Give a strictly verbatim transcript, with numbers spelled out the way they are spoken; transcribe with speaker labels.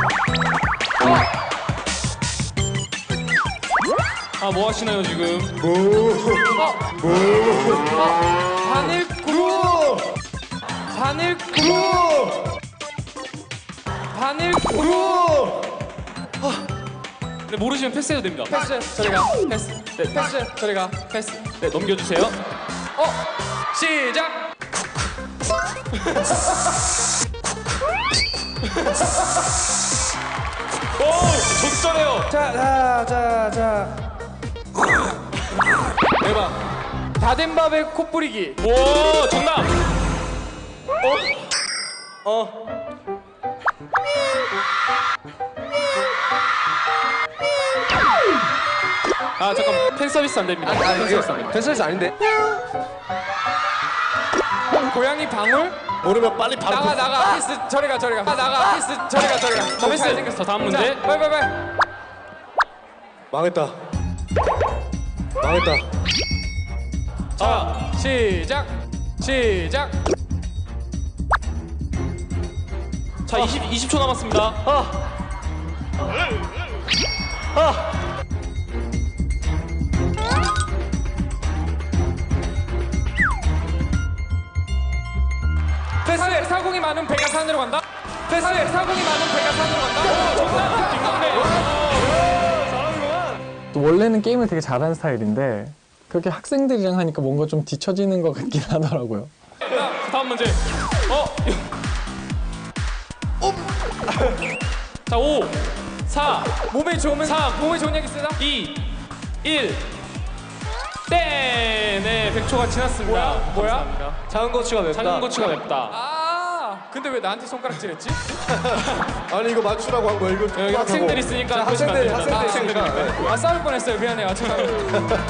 Speaker 1: 아, 뭐 하시나요, 지금?
Speaker 2: 뭐?
Speaker 1: 어?
Speaker 2: 뭐?
Speaker 1: 어? 바늘 그룹! 바늘 그룹! 바늘 그룹! 네, 모르시면 패스해도 됩니다. 패스, 저리 가. 패스. 네, 패스, 저리 가. 패스. 네, 넘겨주세요. 어? 시작! 오! 적절해요! 자, 자, 자, 자. 대박. 다 된 밥에 코 뿌리기. 오, 정답! 어? 어. 아, 잠깐. 팬 서비스 안 됩니다.
Speaker 2: 아니,
Speaker 1: 팬
Speaker 2: 이거
Speaker 1: 서비스 안 됩니다.
Speaker 2: 팬 서비스 아닌데?
Speaker 1: 고양이 방울?
Speaker 2: 모르면 빨리 바로
Speaker 1: 나가, 나가. 피스, 저리 가, 저리 가. 아, 나가. 피스, 저리 가, 저리 가. 너무
Speaker 3: 패스.
Speaker 1: 잘생겼어. 다음 문제.
Speaker 3: 자,
Speaker 1: 빨리, 빨리, 빨리.
Speaker 2: 망했다. 망했다.
Speaker 1: 자, 시작. 시작. 자, 이십, 이십 초 남았습니다. 아. 아. 패스. 사공이 많은 배가 산으로 간다. 패스. 사공이 많은 배가 산으로 간다. 오, 정답. 김광래. 잘하는구만.
Speaker 3: 또 원래는 게임을 되게 잘하는 스타일인데 그렇게 학생들이랑 하니까 뭔가 좀 뒤처지는 것 같긴 하더라고요.
Speaker 1: 자, 다음 문제. 어? 자, 오, 사,
Speaker 3: 몸에 좋으면
Speaker 1: 삼,
Speaker 3: 몸에 좋은 얘기 쓰나?
Speaker 1: 이, 일. 땡! 네, 백 초가 지났습니다.
Speaker 3: 뭐야? 뭐야?
Speaker 1: 감사합니다.
Speaker 2: 작은 고추가 맵다.
Speaker 1: 작은 고추가 맵다.
Speaker 3: 아, 근데 왜 나한테 손가락질했지?
Speaker 2: 아니 이거 맞추라고 한 거야. 이거
Speaker 1: 여기 학생들 있으니까
Speaker 2: 자,
Speaker 1: 그러시면 안
Speaker 2: 학생들,
Speaker 1: 됩니다.
Speaker 2: 학생들
Speaker 1: 학생들인데.
Speaker 2: 있으니까.
Speaker 3: 아, 싸울 뻔했어요. 미안해요. 죄송합니다.